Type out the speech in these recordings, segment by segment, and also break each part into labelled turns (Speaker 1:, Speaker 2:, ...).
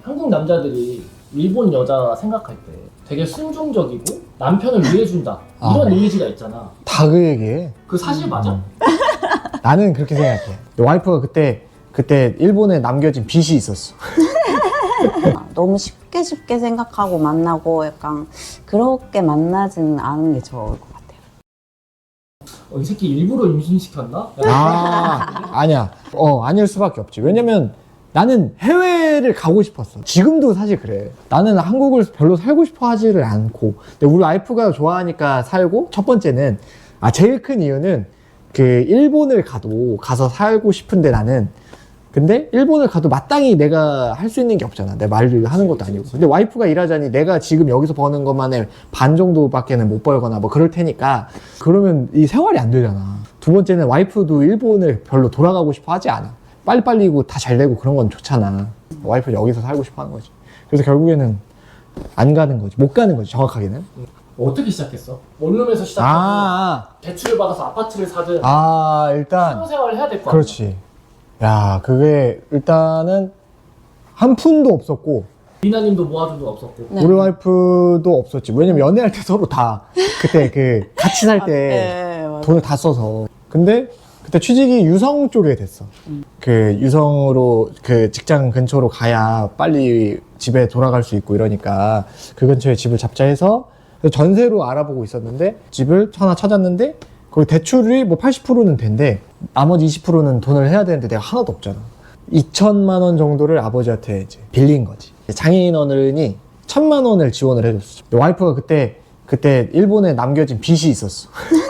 Speaker 1: 한국 남자들이 일본 여자 생각할 때 되게 순종적이고 남편을 위해준다 이런 이미지가 있잖아.
Speaker 2: 다 그 얘기해.
Speaker 1: 그 사실 맞아?
Speaker 2: 나는 그렇게 생각해. 와이프가 그때 일본에 남겨진 빚이 있었어.
Speaker 3: 너무 쉽게 생각하고 만나고 약간 그렇게 만나진 않은 게 좋을 것 같아요.
Speaker 1: 이 새끼 일부러 임신시켰나?
Speaker 2: 아니야. 아닐 수밖에 없지. 왜냐면 나는 해외를 가고 싶었어. 지금도 사실 그래. 나는 한국을 별로 살고 싶어 하지를 않고. 근데 우리 와이프가 좋아하니까 살고, 첫 번째는, 제일 큰 이유는 그 일본을 가서 살고 싶은데 나는, 근데 일본을 가도 마땅히 내가 할 수 있는 게 없잖아. 내 말을 하는 것도 아니고. 근데 와이프가 일하자니 내가 지금 여기서 버는 것만의 반 정도밖에는 못 벌거나 뭐 그럴 테니까 그러면 이 생활이 안 되잖아. 두 번째는 와이프도 일본을 별로 돌아가고 싶어 하지 않아. 빨리빨리고 다 잘 되고 그런 건 좋잖아. 와이프 여기서 살고 싶어 하는 거지. 그래서 결국에는 안 가는 거지. 못 가는 거지, 정확하게는.
Speaker 1: 어떻게 시작했어? 원룸에서 시작하고 대출을 받아서 아파트를 사든
Speaker 2: 일단
Speaker 1: 신혼생활을 해야 될 거 아니야?
Speaker 2: 그렇지. 야, 그게 일단은 한 푼도 없었고
Speaker 1: 리나님도 모아준 돈 없었고
Speaker 3: 네.
Speaker 2: 우리 와이프도 없었지. 왜냐면 연애할 때 서로 다 그때 그 같이 살 때
Speaker 3: 네, 맞아요.
Speaker 2: 돈을 다 써서. 근데 그때 취직이 유성 쪽에 됐어. 그 유성으로 그 직장 근처로 가야 빨리 집에 돌아갈 수 있고 이러니까 그 근처에 집을 잡자 해서 전세로 알아보고 있었는데 집을 하나 찾았는데 거기 대출이 뭐 80%는 된대. 나머지 20%는 돈을 해야 되는데 내가 하나도 없잖아. 2천만 원 정도를 아버지한테 이제 빌린 거지. 장애인 어른이 1,000만 원을 지원을 해줬어. 와이프가 그때 일본에 남겨진 빚이 있었어.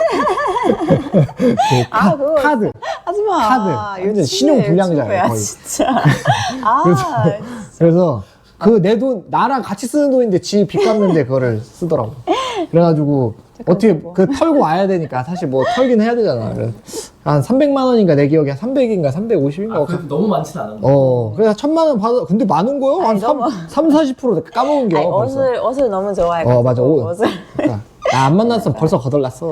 Speaker 3: 그거
Speaker 2: 카드.
Speaker 3: 하지마.
Speaker 2: 카드. 완전 신용 불량자야, 거의.
Speaker 3: 진짜.
Speaker 2: 그래서 그 내 돈, 나랑 같이 쓰는 돈인데 지 빚 갚는데 그거를 쓰더라고. 그래가지고 어떻게 그 털고 와야 되니까 사실 뭐 털긴 해야 되잖아. 그래서 한 300만 원인가 내 기억에 300인가 350인가.
Speaker 1: 그래도 너무 많진 않았네.
Speaker 2: 그래서 1,000만 원 받아. 근데 많은 거요? 한 40% 까먹은 게.
Speaker 3: 옷을 너무 좋아해가지고.
Speaker 2: 맞아. 옷을. 나 안 만났으면 벌써 거덜났어.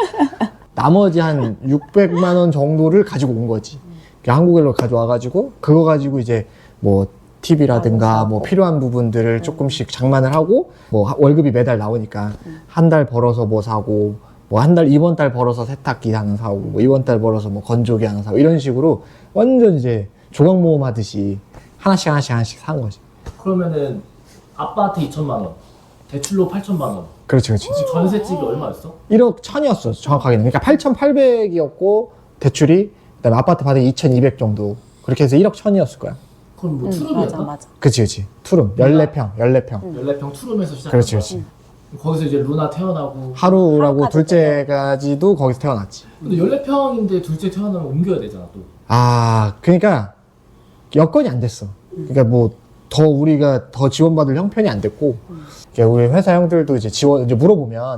Speaker 2: 나머지 한 600만 원 정도를 가지고 온 거지. 한국으로 가져와가지고 그거 가지고 이제 뭐 TV라든가 뭐 필요한 부분들을 조금씩 장만을 하고 뭐 월급이 매달 나오니까 한 달 벌어서 뭐 사고 뭐 이번 달 벌어서 세탁기 하나 사고 뭐 이번 달 벌어서 뭐 건조기 하나 사고 이런 식으로 완전 이제 조각 모험 하듯이 하나씩 사는 거지.
Speaker 1: 그러면은 아빠한테 2천만 원, 대출로 8천만 원.
Speaker 2: 그렇지.
Speaker 1: 전셋집이 얼마였어?
Speaker 2: 1억 1,000이었어, 정확하게는. 그러니까 8,800이었고 대출이 그다음에 아파트 받은 2,200 정도. 그렇게 해서 1억 1,000이었을 거야.
Speaker 1: 그럼 뭐 투룸이었나?
Speaker 3: 맞아.
Speaker 2: 그치. 투룸 14평.
Speaker 1: 14평 투룸에서 시작한
Speaker 2: 그렇지.
Speaker 1: 거기서 이제 루나 태어나고
Speaker 2: 하루라고
Speaker 3: 하루까지
Speaker 2: 둘째까지도 거기서 태어났지.
Speaker 1: 근데 14평인데 둘째 태어나면 옮겨야 되잖아 또.
Speaker 2: 그러니까 여건이 안 됐어. 그러니까 뭐 더 우리가 더 지원받을 형편이 안 됐고, 그러니까 우리 회사 형들도 이제 이제 물어보면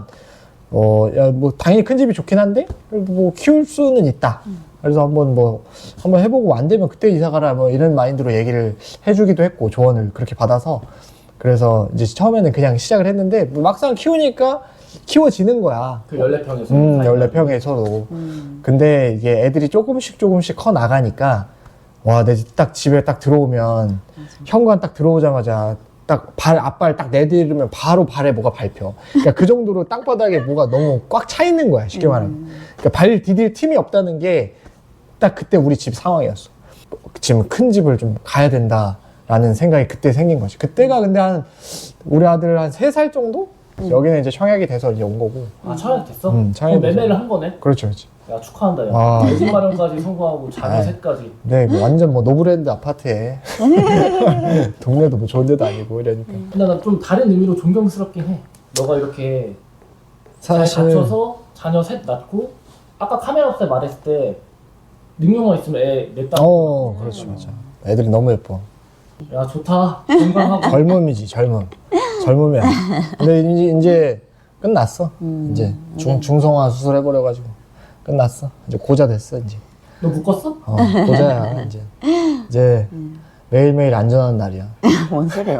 Speaker 2: 야, 뭐 당연히 큰 집이 좋긴 한데 뭐 키울 수는 있다. 그래서 한번 해보고 안 되면 그때 이사 가라 뭐 이런 마인드로 얘기를 해주기도 했고 조언을 그렇게 받아서. 그래서 이제 처음에는 그냥 시작을 했는데 막상 키우니까 키워지는 거야.
Speaker 1: 그 14평에서
Speaker 2: 14평에서도. 근데 이게 애들이 조금씩 커 나가니까 와, 내 딱 집에 딱 들어오면 현관 딱 들어오자마자 딱 앞발 딱 내디르면 바로 발에 뭐가 밟혀. 그러니까 그 정도로 땅바닥에 뭐가 너무 꽉 차 있는 거야, 쉽게 말하면. 그러니까 발 디딜 틈이 없다는 게 딱 그때 우리 집 상황이었어. 지금 큰 집을 좀 가야 된다라는 생각이 그때 생긴 거지. 그때가 근데 우리 아들 한 3살 정도? 여기는 이제 청약이 돼서 이제 온 거고.
Speaker 1: 청약 됐어?
Speaker 2: 청약이
Speaker 1: 매매를
Speaker 2: 돼서.
Speaker 1: 한 거네?
Speaker 2: 그렇죠.
Speaker 1: 야, 축하한다 야. 내 집 마련까지 성공하고 자녀 셋까지.
Speaker 2: 네, 완전 뭐 노브랜드 아파트에 동네도 뭐 좋은 데도 아니고 이러니까.
Speaker 1: 근데 나 좀 다른 의미로 존경스럽긴 해. 너가 이렇게 잘 갖춰서 자녀 셋 낳고 아까 카메라 없을 때 말했을 때 능력만 있으면 애 냈다.
Speaker 2: 그렇지, 맞아. 애들이 너무 예뻐.
Speaker 1: 야, 좋다. 건강하고.
Speaker 2: 젊음이지, 젊음이야. 근데 이제 끝났어. 이제 중성화 수술 해버려가지고 끝났어. 이제 고자 됐어, 이제.
Speaker 1: 너 묶었어?
Speaker 2: 고자야, 이제 매일매일 안전한 날이야.
Speaker 3: 뭔 소리예요?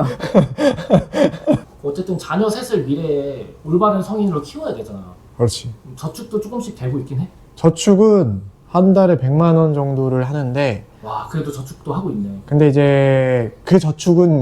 Speaker 1: 어쨌든 자녀 셋을 미래에 올바른 성인으로 키워야 되잖아.
Speaker 2: 그렇지.
Speaker 1: 저축도 조금씩 되고 있긴 해.
Speaker 2: 저축은 한 달에 100만 원 정도를 하는데,
Speaker 1: 와, 그래도 저축도 하고 있네.
Speaker 2: 근데 이제 그 저축은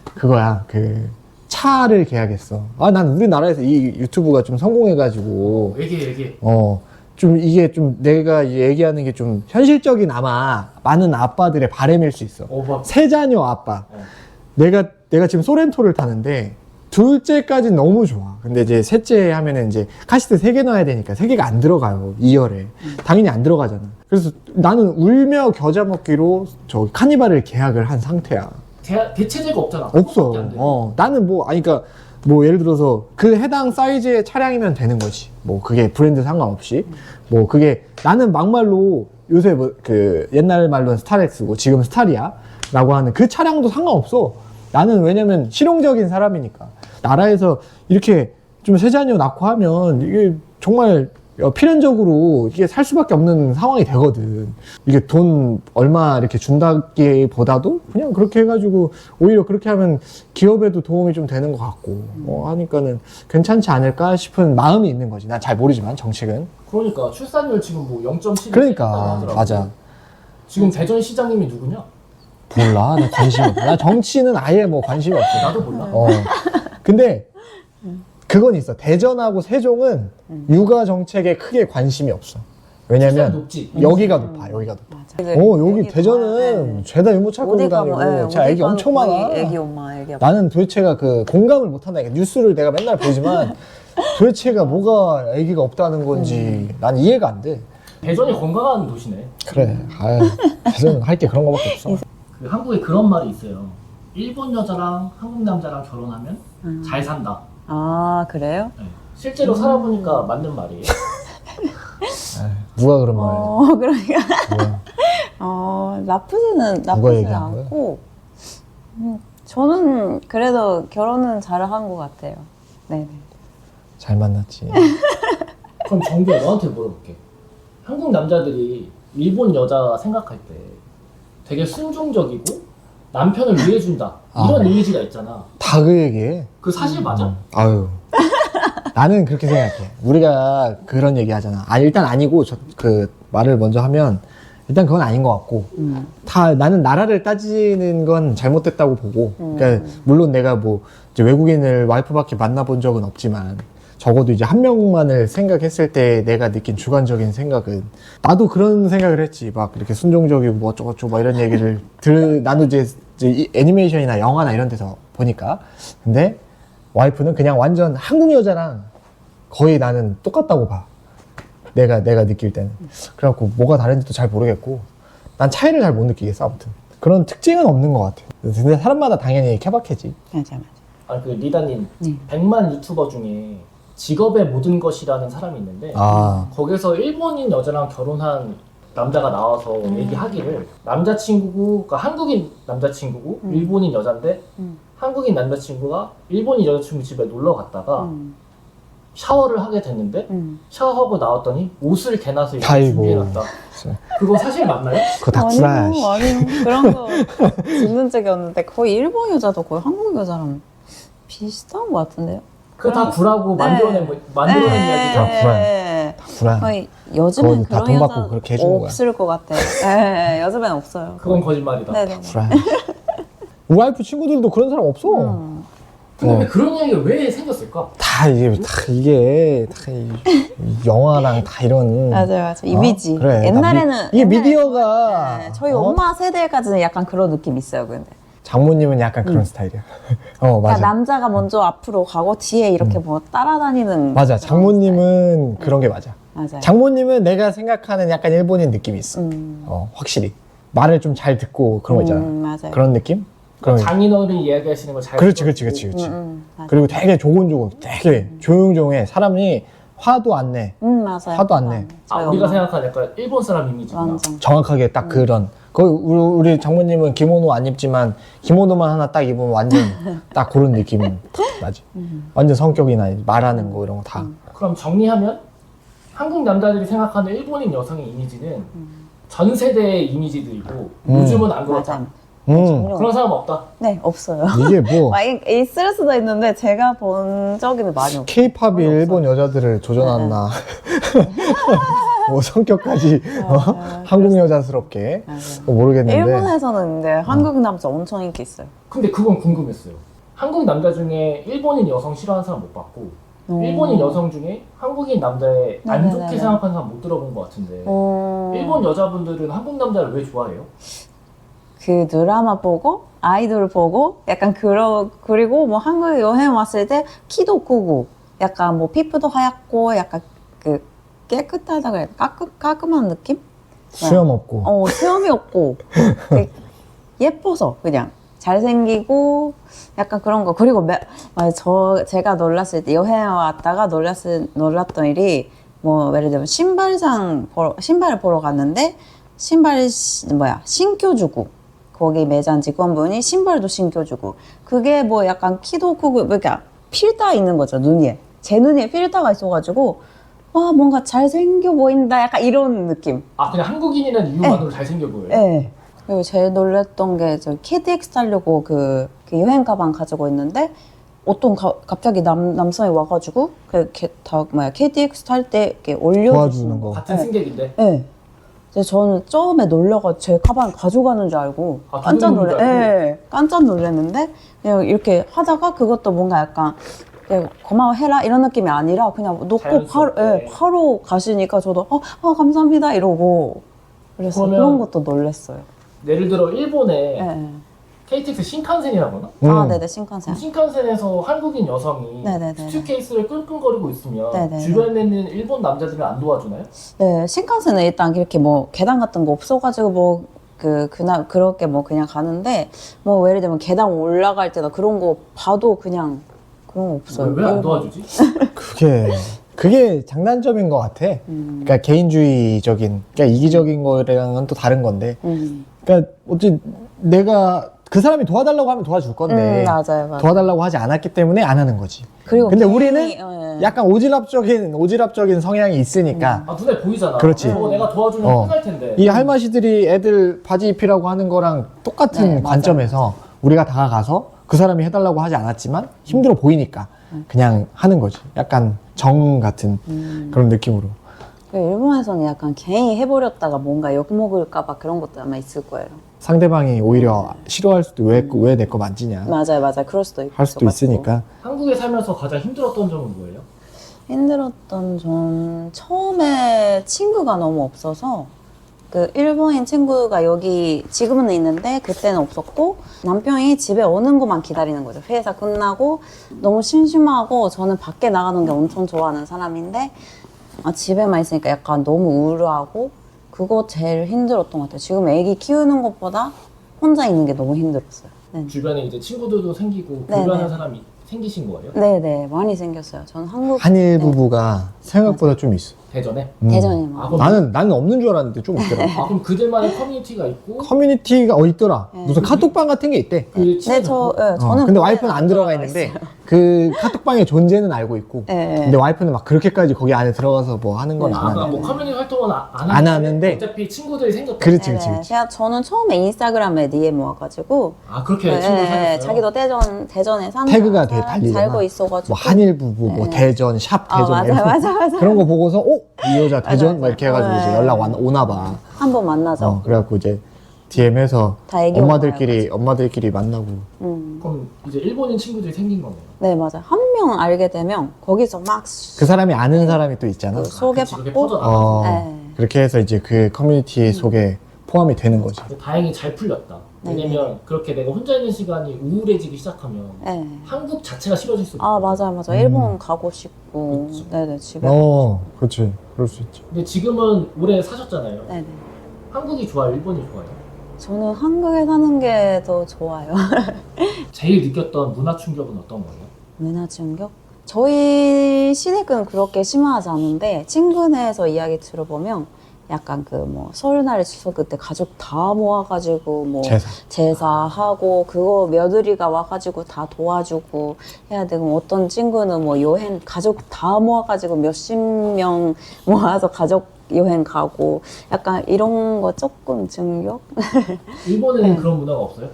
Speaker 2: 그거야. 그 차를 계약했어. 아, 난 우리나라에서 이 유튜브가 좀 성공해가지고
Speaker 1: 얘기해.
Speaker 2: 좀 이게 좀 내가 얘기하는 게 좀 현실적인 아마 많은 아빠들의 바람일 수 있어.
Speaker 1: 뭐.
Speaker 2: 세 자녀 아빠.
Speaker 1: 어.
Speaker 2: 내가 지금 소렌토를 타는데 둘째까지는 너무 좋아. 근데 이제 셋째 하면은 이제 카시트 3개 넣어야 되니까 3개가 안 들어가요. 2열에. 당연히 안 들어가잖아. 그래서 나는 울며 겨자 먹기로 저 카니발을 계약을 한 상태야.
Speaker 1: 대체제가 없잖아.
Speaker 2: 없어.
Speaker 1: 그것밖에 안 돼.
Speaker 2: 나는 뭐, 아니, 그니까, 뭐, 예를 들어서, 그 해당 사이즈의 차량이면 되는 거지. 뭐, 그게 브랜드 상관없이. 뭐, 그게, 나는 막말로, 요새 뭐, 그, 옛날 말로는 스타렉스고, 지금 스타리아. 라고 하는 그 차량도 상관없어. 나는 왜냐면, 실용적인 사람이니까. 나라에서 이렇게 좀 세 자녀 낳고 하면, 이게 정말, 필연적으로 이게 살 수밖에 없는 상황이 되거든. 이게 돈 얼마 이렇게 준다기보다도 그냥 그렇게 해가지고 오히려 그렇게 하면 기업에도 도움이 좀 되는 것 같고 하니까는 괜찮지 않을까 싶은 마음이 있는 거지. 난 잘 모르지만 정책은.
Speaker 1: 그러니까 출산율 지금 뭐 0.7.
Speaker 2: 그러니까 맞아.
Speaker 1: 지금 대전 시장님이 누구냐?
Speaker 2: 몰라. 나 관심 없어. 나 정치는 아예 뭐 관심이 없어.
Speaker 1: 나도 몰라.
Speaker 2: 근데 그건 있어. 대전하고 세종은 육아 정책에 크게 관심이 없어. 왜냐면
Speaker 1: 높지.
Speaker 2: 여기가 높아. 여기가 높아.
Speaker 3: 맞아.
Speaker 2: 여기 대전은 죄다 유모차 끌고 다니고 제 애기 엄청 많아.
Speaker 3: 애기 엄마, 애기 아빠.
Speaker 2: 나는 도대체가 그 공감을 못한다. 뉴스를 내가 맨날 보지만 도대체가 뭐가 애기가 없다는 건지 난 이해가 안 돼.
Speaker 1: 대전이 건강한 도시네.
Speaker 2: 그래. 아유, 대전은 할 게 그런 거밖에 없어.
Speaker 1: 그 한국에 그런 말이 있어요. 일본 여자랑 한국 남자랑 결혼하면 잘 산다.
Speaker 3: 아, 그래요?
Speaker 1: 네. 실제로 살아보니까 맞는 말이에요.
Speaker 2: 누가 그런 말해?
Speaker 3: 그러니까. 나쁘지는
Speaker 2: 얘기한
Speaker 3: 않고. 저는 그래도 결혼은 잘한 것 같아요. 네네.
Speaker 2: 잘 만났지.
Speaker 1: 그럼 정규야 너한테 물어볼게. 한국 남자들이 일본 여자 생각할 때 되게 순종적이고 남편을 위해준다 이런 이미지가 있잖아.
Speaker 2: 다 그 얘기해.
Speaker 1: 그 사실 맞아?
Speaker 2: 아유. 나는 그렇게 생각해. 우리가 그런 얘기 하잖아. 일단 아니고, 그 말을 먼저 하면, 일단 그건 아닌 것 같고, 나는 나라를 따지는 건 잘못됐다고 보고, 그러니까, 물론 내가 뭐, 이제 외국인을 와이프밖에 만나본 적은 없지만, 적어도 이제 한 명만을 생각했을 때 내가 느낀 주관적인 생각은, 나도 그런 생각을 했지. 막 이렇게 순종적이고 뭐 어쩌고저쩌고 막 이런 얘기를 나도 이제 이 애니메이션이나 영화나 이런 데서 보니까. 근데, 와이프는 그냥 완전 한국 여자랑 거의 나는 똑같다고 봐. 내가 느낄 때는. 그래갖고 뭐가 다른지도 잘 모르겠고 난 차이를 잘 못 느끼겠어. 아무튼 그런 특징은 없는 것 같아. 근데 사람마다 당연히 케바케지.
Speaker 3: 맞아.
Speaker 1: 그 리다님
Speaker 3: 네.
Speaker 1: 100만 유튜버 중에 직업의 모든 것이라는 사람이 있는데 거기서 일본인 여자랑 결혼한 남자가 나와서 얘기하기를 남자친구고 그러니까 한국인 남자친구고 일본인 여잔데 한국인 남자친구가 일본인 여자친구 집에 놀러 갔다가 샤워를 하게 됐는데 샤워하고 나왔더니 옷을 개나서 이렇게 준비해놨다. 그거 사실 맞나요?
Speaker 2: 그거 다 구라야.
Speaker 3: 아니요. 그런 거 듣는 적이 없는데 거의 일본 여자도 거의 한국 여자랑 비슷한 것 같은데요?
Speaker 1: 그거 다 구라고 만들어낸 이야기죠.
Speaker 2: 다 구라야. 다 구라야.
Speaker 3: 거의 요즘은
Speaker 2: 다
Speaker 3: 그런
Speaker 2: 돈 받고
Speaker 3: 여자
Speaker 2: 그렇게 해주는 거야.
Speaker 3: 없을 것 같아요. 네, 요즘엔 없어요.
Speaker 1: 그건 거짓말이다.
Speaker 3: 네네.
Speaker 2: 구라야. 우리 와이프 친구들도 그런 사람 없어.
Speaker 1: 근데 왜 그런 이야기가 왜 생겼을까?
Speaker 2: 다 이게 영화랑 다 이런
Speaker 3: 맞아요. 이미지.
Speaker 2: 그래,
Speaker 3: 옛날에는
Speaker 2: 이게 미디어가
Speaker 3: 네, 저희 엄마 세대까지는 약간 그런 느낌 있어요. 근데
Speaker 2: 장모님은 약간 그런 스타일이야. 맞아.
Speaker 3: 그러니까 남자가 먼저 앞으로 가고 뒤에 이렇게 뭐 따라다니는.
Speaker 2: 맞아.
Speaker 3: 그런
Speaker 2: 장모님은 그런 게 맞아.
Speaker 3: 스타일. 맞아요.
Speaker 2: 장모님은 내가 생각하는 약간 일본인 느낌이 있어. 확실히 말을 좀 잘 듣고 그런 거 있잖아.
Speaker 3: 맞아요.
Speaker 2: 그런 느낌? 그런
Speaker 1: 장인어른이 이야기하시는 걸 잘
Speaker 2: 그렇지.
Speaker 3: 맞아요.
Speaker 2: 그리고 되게 조곤조곤, 되게 조용조용해. 사람이 화도 안 내.
Speaker 3: 맞아요.
Speaker 2: 화도 안 내.
Speaker 3: 저희
Speaker 1: 우리가
Speaker 3: 엄마.
Speaker 1: 생각하는 약간 일본 사람 이미지구나.
Speaker 3: 완전.
Speaker 2: 정확하게 딱 그런. 거의 우리 장모님은 기모노 안 입지만 기모노만 하나 딱 입으면 완전 딱 그런 느낌 딱 나지. 완전 성격이나 말하는 거 이런 거 다.
Speaker 1: 그럼 정리하면 한국 남자들이 생각하는 일본인 여성의 이미지는 전 세대의 이미지들이고 요즘은 안 그렇다.
Speaker 3: 맞아요.
Speaker 1: 그런 사람 없다.
Speaker 3: 네, 없어요.
Speaker 2: 이게 뭐
Speaker 3: 있을 수도 있는데 제가 본 적은 많이 없어요.
Speaker 2: 케이팝이 일본 여자들을 조져놨나. 뭐 성격까지 한국 여자스럽게 모르겠는데.
Speaker 3: 일본에서는 근데 한국 남자 엄청 인기 있어요.
Speaker 1: 근데 그건 궁금했어요. 한국 남자 중에 일본인 여성 싫어하는 사람 못 봤고 일본인 여성 중에 한국인 남자에 안 좋게
Speaker 3: 네네네네.
Speaker 1: 생각하는 사람 못 들어본 것 같은데 일본 여자분들은 한국 남자를 왜 좋아해요?
Speaker 3: 그 드라마 보고 아이돌 보고 약간 그리고 뭐 한국 여행 왔을 때 키도 크고 약간 뭐 피부도 하얗고 약간 그 깨끗하다고 해야 깔끔한 느낌?
Speaker 2: 수염 없고.
Speaker 3: 수염이 없고 그 예뻐서 그냥 잘생기고 약간 그런 거. 그리고 제가 놀랐을 때 여행 왔다가 놀랐던 일이 뭐 예를 들면 신발을 보러 갔는데 신겨주고 거기 매장 직원분이 신발도 신겨주고 그게 뭐 약간 키도 크고 그러니까 필터 있는 거죠 눈에. 제 눈에 필터가 있어가지고 와 뭔가 잘생겨 보인다 약간 이런 느낌.
Speaker 1: 아 그냥 한국인이라는 이유만으로 잘생겨 보여요?
Speaker 3: 네. 그리고 제일 놀랬던 게 저 KTX 타려고 그 여행 가방 가지고 있는데 어떤 갑자기 남성이 와가지고 KTX 탈 때 이렇게 올려주는
Speaker 2: 도와주는 거.
Speaker 1: 같은 승객인데?
Speaker 3: 네. 근데 저는 처음에 놀려가 제 가방 가져가는 줄 알고
Speaker 1: 아, 도둑놈인 줄 알고?
Speaker 3: 네, 깜짝 놀랐는데 그냥 이렇게 하다가 그것도 뭔가 약간 그냥 고마워해라 이런 느낌이 아니라 그냥 놓고
Speaker 1: 자연스럽게.
Speaker 3: 바로 가시니까 저도 감사합니다 이러고 그래서
Speaker 1: 그러면-
Speaker 3: 그런 것도 놀랬어요.
Speaker 1: 예를 들어 일본에
Speaker 3: 네.
Speaker 1: KTX 신칸센이라거나
Speaker 3: 네네 신칸센.
Speaker 1: 신칸센에서 한국인 여성이
Speaker 3: 네네네.
Speaker 1: 수트케이스를 끙끙거리고 있으면
Speaker 3: 네네네.
Speaker 1: 주변에 있는 일본 남자들은 안 도와주나요?
Speaker 3: 네, 신칸센은 일단 이렇게 뭐 계단 같은 거 없어가지고 뭐 그날 그렇게 뭐 그냥 가는데 뭐 예를 들면 계단 올라갈 때나 그런 거 봐도 그냥 그런 거 없어요.
Speaker 1: 왜 안 도와주지?
Speaker 2: 그게 장단점인 것 같아. 그러니까 개인주의적인, 그러니까 이기적인 거랑은 또 다른 건데. 그러니까 어찌 내가 그 사람이 도와달라고 하면 도와줄 건데
Speaker 3: 맞아요.
Speaker 2: 도와달라고 하지 않았기 때문에 안 하는 거지.
Speaker 3: 그리고
Speaker 2: 근데
Speaker 3: 괜히,
Speaker 2: 우리는 약간 오지랖적인 성향이 있으니까
Speaker 1: 아 눈에 보이잖아.
Speaker 2: 그렇지.
Speaker 1: 저거 내가 도와주면 끝날 텐데.
Speaker 2: 이 할마시들이 애들 바지 입히라고 하는 거랑 똑같은
Speaker 3: 네, 맞아요.
Speaker 2: 관점에서 우리가 다가가서 그 사람이 해달라고 하지 않았지만 힘들어 보이니까 그냥 하는 거지. 약간 정 같은 그런 느낌으로.
Speaker 3: 일본에서는 약간 괜히 해버렸다가 뭔가 욕먹을까봐 그런 것도 아마 있을 거예요.
Speaker 2: 상대방이 오히려 싫어할 수도 왜 내 거 만지냐
Speaker 3: 맞아요. 그럴 수도 있고.
Speaker 2: 할 수도 있으니까.
Speaker 1: 한국에 살면서 가장 힘들었던 점은 뭐예요?
Speaker 3: 힘들었던 점 처음에 친구가 너무 없어서 그 일본인 친구가 여기 지금은 있는데 그때는 없었고 남편이 집에 오는 것만 기다리는 거죠. 회사 끝나고 너무 심심하고 저는 밖에 나가는 게 엄청 좋아하는 사람인데 집에만 있으니까 약간 너무 우울하고 그거 제일 힘들었던 것 같아요. 지금 애기 키우는 것보다 혼자 있는 게 너무 힘들었어요. 네.
Speaker 1: 주변에 이제 친구들도 생기고
Speaker 3: 네,
Speaker 1: 교류하는
Speaker 3: 네.
Speaker 1: 사람이 생기신 거예요?
Speaker 3: 네네 많이 생겼어요. 저는 한국
Speaker 2: 한일
Speaker 3: 네.
Speaker 2: 부부가 생각보다 좀 있어.
Speaker 1: 대전에?
Speaker 3: 대전에
Speaker 1: 아,
Speaker 3: 막
Speaker 1: 그럼,
Speaker 2: 나는 없는 줄 알았는데 좀 있더라.
Speaker 1: 그럼 그들만의 커뮤니티가 있고
Speaker 2: 커뮤니티가 있더라.
Speaker 3: 네.
Speaker 2: 무슨 카톡방 같은 게 있대.
Speaker 1: 그 친해졌고?
Speaker 3: 저는
Speaker 2: 근데 와이프는 안 들어가 있는데 그 카톡방의 존재는 알고 있고.
Speaker 3: 네.
Speaker 2: 근데 와이프는 막 그렇게까지 거기 안에 들어가서 뭐 하는 건
Speaker 3: 네.
Speaker 2: 안
Speaker 1: 그러니까
Speaker 2: 하는데.
Speaker 1: 뭐 커뮤니티 활동은
Speaker 2: 안 하는데
Speaker 1: 어차피 친구들이 생겼다.
Speaker 2: 그렇지,
Speaker 3: 네네.
Speaker 2: 그렇지, 그렇지.
Speaker 3: 제가 저는 처음에 인스타그램에 DM 와가지고
Speaker 1: 그렇게 친구 사귀었어요?
Speaker 3: 자기도 대전에 사는
Speaker 2: 태그가 되게 달리잖아.
Speaker 3: 살고 있어가지고
Speaker 2: 뭐 한일 부부, 뭐 대전, 샵 대전
Speaker 3: 맞아.
Speaker 2: 그런 거 보고서 이 여자 대전 막 이렇게 해가지고 이제 연락 오나 봐.
Speaker 3: 한번 만나죠.
Speaker 2: 그래갖고 이제 DM해서
Speaker 3: 다 애기
Speaker 2: 엄마들끼리 만나고.
Speaker 1: 그럼 이제 일본인 친구들이 생긴 거네요.
Speaker 3: 네 맞아요. 한 명 알게 되면 거기서 막
Speaker 2: 그 사람이 아는 사람이 또 있잖아.
Speaker 3: 그 소개
Speaker 1: 그치, 그게
Speaker 3: 받고
Speaker 1: 퍼져나가서.
Speaker 3: 네.
Speaker 2: 그렇게 해서 이제 그 커뮤니티 속에 포함이 되는 거지.
Speaker 1: 다행히 잘 풀렸다.
Speaker 3: 네.
Speaker 1: 왜냐면 그렇게 내가 혼자 있는 시간이 우울해지기 시작하면
Speaker 3: 네.
Speaker 1: 한국 자체가 싫어질 수도
Speaker 3: 아
Speaker 1: 있거든요.
Speaker 3: 맞아요. 일본 가고 싶고
Speaker 1: 그치.
Speaker 3: 네네 집에
Speaker 2: 그렇지. 그럴 수 있지.
Speaker 1: 근데 지금은 오래 사셨잖아요.
Speaker 3: 네네.
Speaker 1: 한국이 좋아요? 일본이 좋아요?
Speaker 3: 저는 한국에 사는 게 더 좋아요.
Speaker 1: 제일 느꼈던 문화 충격은 어떤 거예요?
Speaker 3: 문화 충격? 저희 시댁은 그렇게 심하지 않은데 친구네에서 이야기 들어보면 약간 그 뭐 설날 추석 그때 가족 다 모아가지고 뭐 제사하고 그거 며느리가 와가지고 다 도와주고 해야 되고 어떤 친구는 뭐 여행 가족 다 모아가지고 몇십 명 모아서 가족 여행 가고 약간 이런 거 조금 충격?
Speaker 1: 일본에는 그런 문화가 없어요?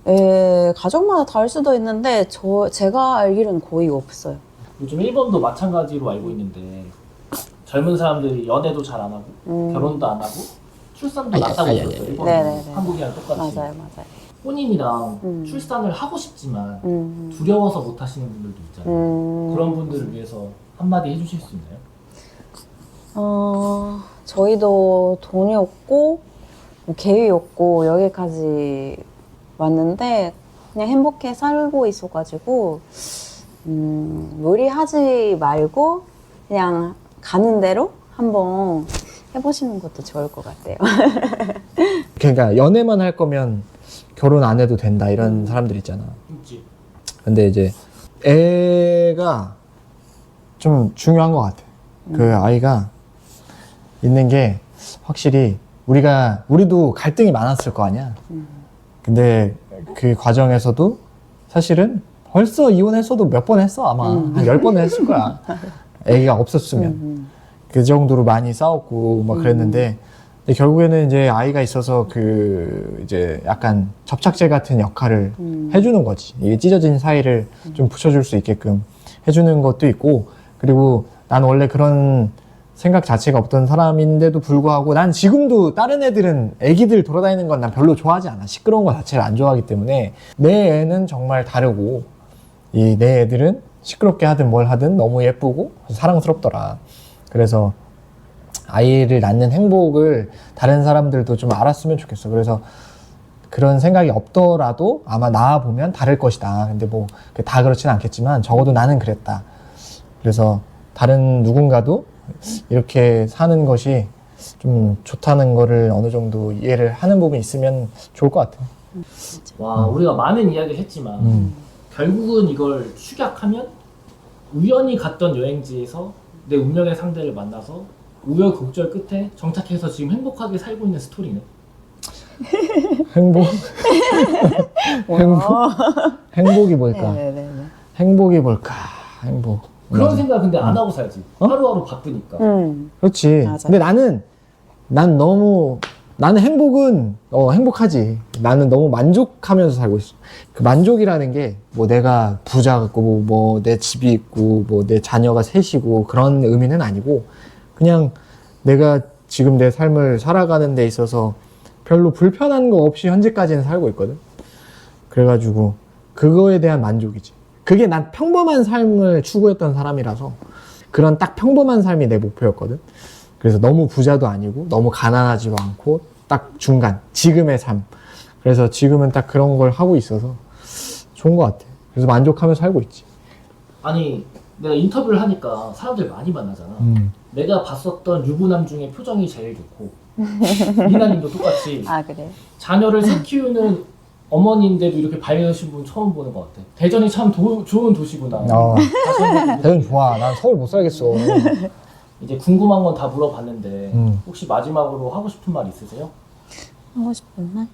Speaker 3: 가족마다 다를 수도 있는데 제가 알기로는 거의 없어요.
Speaker 1: 요즘 일본도 마찬가지로 알고 있는데 젊은 사람들이 연애도 잘 안 하고 결혼도 안 하고 출산도 낮다고 들었어요. 일본은
Speaker 3: 네네네.
Speaker 1: 한국이랑 똑같이.
Speaker 3: 맞아요, 맞아요.
Speaker 1: 혼인이랑 출산을 하고 싶지만 두려워서 못 하시는 분들도 있잖아요. 그런 분들을 위해서 한마디 해주실 수 있나요?
Speaker 3: 저희도 돈이 없고 뭐 계획이 없고 여기까지 왔는데 그냥 행복해 살고 있어가지고 무리하지 말고 그냥 가는 대로 한번 해보시는 것도 좋을 것 같아요.
Speaker 2: 그러니까 연애만 할 거면 결혼 안 해도 된다 이런 사람들 있잖아.
Speaker 1: 있지.
Speaker 2: 근데 이제 애가 좀 중요한 것 같아. 그 아이가 있는 게 확실히 우리도 갈등이 많았을 거 아니야. 근데 그 과정에서도 사실은 벌써 이혼했어도 몇 번 했어 아마 한 10번 했을 거야. 애기가 없었으면 그 정도로 많이 싸웠고 막 그랬는데 근데 결국에는 이제 아이가 있어서 그 이제 약간 접착제 같은 역할을 해주는 거지. 이게 찢어진 사이를 좀 붙여줄 수 있게끔 해주는 것도 있고 그리고 난 원래 그런 생각 자체가 없던 사람인데도 불구하고 난 지금도 다른 애들은 애기들 돌아다니는 건 난 별로 좋아하지 않아. 시끄러운 거 자체를 안 좋아하기 때문에 내 애는 정말 다르고 이 내 애들은 시끄럽게 하든 뭘 하든 너무 예쁘고 사랑스럽더라. 그래서 아이를 낳는 행복을 다른 사람들도 좀 알았으면 좋겠어. 그래서 그런 생각이 없더라도 아마 낳아보면 다를 것이다. 근데 뭐 다 그렇진 않겠지만 적어도 나는 그랬다. 그래서 다른 누군가도 이렇게 사는 것이 좀 좋다는 거를 어느 정도 이해를 하는 부분이 있으면 좋을 것 같아.
Speaker 1: 와, 우리가 많은 이야기를 했지만 결국은 이걸 축약하면 우연히 갔던 여행지에서 내 운명의 상대를 만나서 우여곡절 끝에 정착해서 지금 행복하게 살고 있는 스토리네.
Speaker 2: 행복? 행복이 뭘까?
Speaker 3: 네네네.
Speaker 2: 행복이 뭘까? 행복.
Speaker 1: 그런 생각 근데 안 하고 살지. 하루하루 바쁘니까.
Speaker 2: 그렇지.
Speaker 3: 맞아요.
Speaker 2: 근데 나는 행복은 행복하지. 나는 너무 만족하면서 살고 있어. 그 만족이라는 게 뭐 내가 부자 같고 뭐 내 집이 있고 뭐 내 자녀가 셋이고 그런 의미는 아니고 그냥 내가 지금 내 삶을 살아가는 데 있어서 별로 불편한 거 없이 현재까지는 살고 있거든. 그래가지고 그거에 대한 만족이지. 그게 난 평범한 삶을 추구했던 사람이라서 그런 딱 평범한 삶이 내 목표였거든. 그래서 너무 부자도 아니고 너무 가난하지도 않고 딱 중간 지금의 삶. 그래서 지금은 딱 그런 걸 하고 있어서 좋은 것 같아. 그래서 만족하면서 살고 있지.
Speaker 1: 아니 내가 인터뷰를 하니까 사람들 많이 만나잖아. 내가 봤었던 유부남 중에 표정이 제일 좋고 미나님도 똑같이
Speaker 3: 아, 그래?
Speaker 1: 자녀를 셋 키우는 어머니인데도 이렇게 밝으신 분 처음 보는 것 같아. 대전이 참 좋은 도시구나. 다시 한번
Speaker 2: 대전 좋아. 난 서울 못 살겠어.
Speaker 1: 이제 궁금한 건 다 물어봤는데 혹시 마지막으로 하고 싶은 말 있으세요?
Speaker 3: 하고 싶은 말?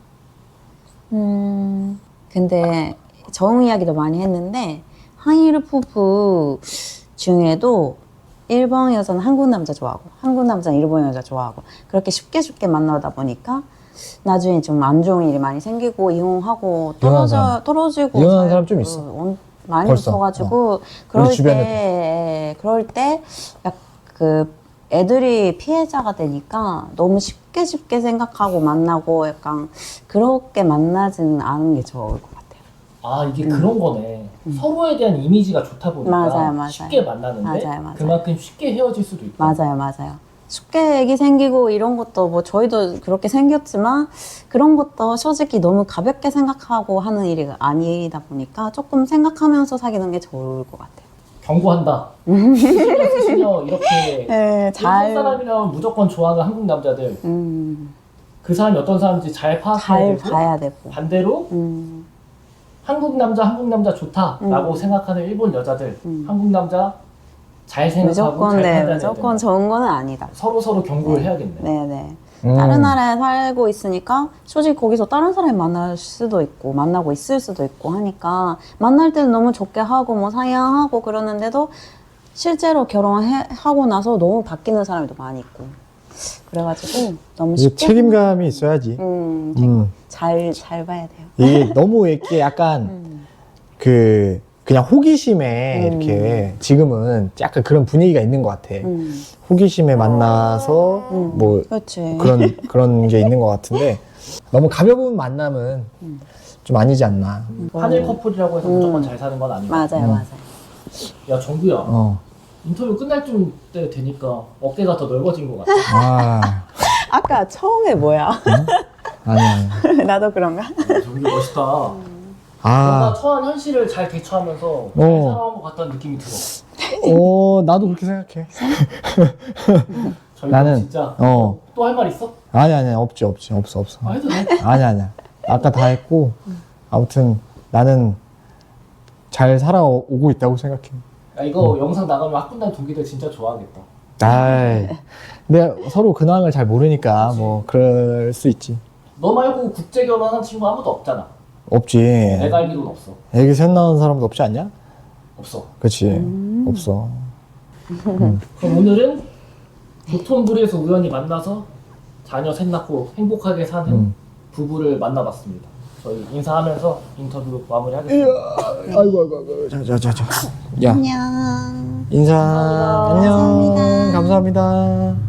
Speaker 3: 근데 정 이야기도 많이 했는데 한일 부부 중에도 일본 여자는 한국 남자 좋아하고 한국 남자는 일본 여자 좋아하고 그렇게 쉽게 만나다 보니까 나중에 좀 안 좋은 일이 많이 생기고 이혼하고 떨어지고
Speaker 2: 이혼한 사람 좀 있어.
Speaker 3: 많이
Speaker 2: 벌써.
Speaker 3: 있어가지고
Speaker 2: 우리
Speaker 3: 그럴 때 그 애들이 피해자가 되니까 너무 쉽게 생각하고 만나고 약간 그렇게 만나지는 않은 게 좋을 것 같아요.
Speaker 1: 아 이게 그런 거네. 서로에 대한 이미지가 좋다 보니까
Speaker 3: 맞아요.
Speaker 1: 쉽게 만나는데
Speaker 3: 맞아요.
Speaker 1: 그만큼 쉽게 헤어질 수도 있다.
Speaker 3: 맞아요. 쉽게 애기 생기고 이런 것도 뭐 저희도 그렇게 생겼지만 그런 것도 솔직히 너무 가볍게 생각하고 하는 일이 아니다 보니까 조금 생각하면서 사귀는 게 좋을 것 같아요.
Speaker 1: 경고한다. 수시녀 이렇게
Speaker 3: 네,
Speaker 1: 일본 사람이라면 무조건 좋아하는 한국 남자들 그 사람이 어떤 사람인지 잘 파악해야 되고
Speaker 3: 봐야 되고
Speaker 1: 반대로 한국 남자 좋다라고 생각하는 일본 여자들 한국 남자 잘 생각하고 잘 판단해야
Speaker 3: 무조건
Speaker 1: 된다.
Speaker 3: 좋은 거는 아니다.
Speaker 1: 서로 경고를 해야겠네.
Speaker 3: 네네. 다른 나라에 살고 있으니까 솔직히 거기서 다른 사람이 만날 수도 있고 만나고 있을 수도 있고 하니까 만날 때는 너무 좋게 하고 뭐 사양하고 그러는데도 실제로 결혼하고 나서 너무 바뀌는 사람도 많이 있고 그래가지고 너무 쉽게
Speaker 2: 책임감이 있어야지.
Speaker 3: 잘 봐야 돼요.
Speaker 2: 이게 너무 이렇게 약간 그 그냥 호기심에 이렇게 지금은 약간 그런 분위기가 있는 것 같아. 호기심에 만나서 뭐
Speaker 3: 그렇지.
Speaker 2: 그런 게 있는 것 같은데 너무 가벼운 만남은 좀 아니지 않나.
Speaker 1: 하늘 커플이라고 해서 무조건 잘 사는 건 아니고.
Speaker 3: 맞아요, 맞아요.
Speaker 1: 야 정규야,
Speaker 2: 어.
Speaker 1: 인터뷰 끝날 쯤 때 되니까 어깨가 더 넓어진 것 같아.
Speaker 2: 아,
Speaker 3: 아까 처음에 뭐야?
Speaker 2: 아니야.
Speaker 3: 나도 그런가?
Speaker 1: 정규 멋있다. 뭔가
Speaker 2: 아,
Speaker 1: 처한 현실을 잘 대처하면서 잘 살아온 것 같다는 느낌이 들어.
Speaker 2: 나도 그렇게 생각해.
Speaker 1: 저희
Speaker 2: 나는,
Speaker 1: 진짜
Speaker 2: 어.
Speaker 1: 또 할 말 있어?
Speaker 2: 아니야. 없어.
Speaker 1: 아, 해도 돼?
Speaker 2: 아니야. 아까 다 했고, 아무튼 나는 잘 살아오고 있다고 생각해.
Speaker 1: 야, 이거 영상 나가면 학군단 동기들 진짜 좋아하겠다.
Speaker 2: 아이, 근데 서로 근황을 잘 모르니까 뭐 그럴 수 있지.
Speaker 1: 너 말고 국제 결혼한 친구 아무도 없잖아.
Speaker 2: 없지.
Speaker 1: 내가 알기로는 없어.
Speaker 2: 애기 셋 낳은 사람도 없지 않냐?
Speaker 1: 없어.
Speaker 2: 그치. 없어.
Speaker 1: 그럼 오늘은 도톤부리에서 우연히 만나서 자녀 셋 낳고 행복하게 사는 부부를 만나봤습니다. 저희 인사하면서 인터뷰 마무리하겠습니다.
Speaker 2: 아이고. 자. 야,
Speaker 3: 안녕.
Speaker 2: 인사.
Speaker 1: 감사합니다.
Speaker 2: 안녕.
Speaker 3: 감사합니다.
Speaker 2: 감사합니다.